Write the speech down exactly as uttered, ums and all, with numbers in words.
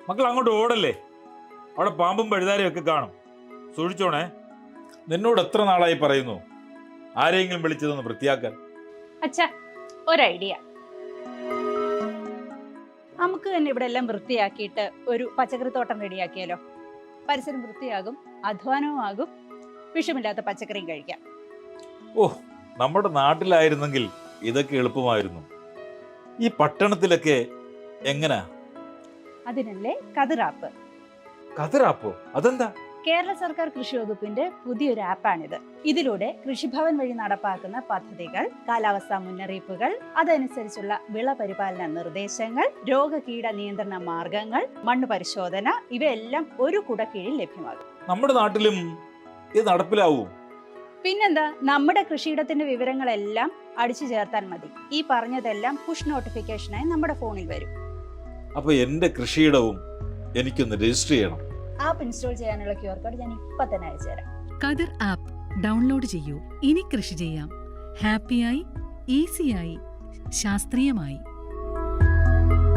മക്കൾ അങ്ങോട്ട് ഓടല്ലേ, അവിടെ പാമ്പും പഴുതാരയും ഒക്കെ കാണും, സൂക്ഷിച്ചോണേ. നിന്നോട് എത്ര നാളായി പറയുന്നു ആരെങ്കിലും വിളിച്ചതൊന്ന് വൃത്തിയാക്കാൻ. അച്ഛാ, ഒരു ഐഡിയ. നമുക്ക് തന്നെ ഇവിടെ എല്ലാം വൃത്തിയാക്കിയിട്ട് ഒരു പച്ചക്കറിത്തോട്ടം റെഡിയാക്കിയാലോ? പരിസരം വൃത്തിയാകും, അധ്വാനവും ആകും, വിഷമില്ലാത്ത പച്ചക്കറിയും കഴിക്കാം. ഓ, നമ്മുടെ നാട്ടിലായിരുന്നെങ്കിൽ ഇതൊക്കെ എളുപ്പമായിരുന്നു. ഈ പട്ടണത്തിലൊക്കെ എങ്ങനാ? അതിനല്ലേ കതിറാപ്പ്. കതിറാപ്പോ? അതെന്താ? കേരള സർക്കാർ കൃഷി വകുപ്പിന്റെ പുതിയൊരു ആപ്പാണിത്. ഇതിലൂടെ കൃഷിഭവൻ വഴി നടപ്പാക്കുന്ന പദ്ധതികൾ, കാലാവസ്ഥാ മുന്നറിയിപ്പുകൾ, അതനുസരിച്ചുള്ള വിള പരിപാലന നിർദ്ദേശങ്ങൾ, രോഗകീട നിയന്ത്രണ മാർഗങ്ങൾ, മണ്ണ് പരിശോധന, ഇവയെല്ലാം ഒരു കുടക്കീഴിൽ ലഭ്യമാകും. നമ്മുടെ നാട്ടിലും ഇത് നടപ്പിലാവൂ? പിന്നെന്താ, നമ്മുടെ കൃഷിയിടത്തിന്റെ വിവരങ്ങളെല്ലാം അടിച്ചു ചേർത്താൽ മതി. ഈ പറഞ്ഞതെല്ലാം പുഷ് നോട്ടിഫിക്കേഷനായി നമ്മുടെ ഫോണിൽ വരും. അപ്പൊ എന്റെ കൃഷിയിടവും എനിക്കൊന്ന് രജിസ്റ്റർ ചെയ്യണം. ആപ്പ് ഇൻസ്റ്റാൾ ചെയ്യാനുള്ള ക്യു ആർ കോഡ് ഞാൻ ഇപ്പൊ തന്നെ അയച്ചുതരാം. കതിർ ആപ്പ് ഡൗൺലോഡ് ചെയ്യൂ. ഇനി കൃഷി ചെയ്യാം ഹാപ്പിയായി, ഈസിയായി, ശാസ്ത്രീയമായി.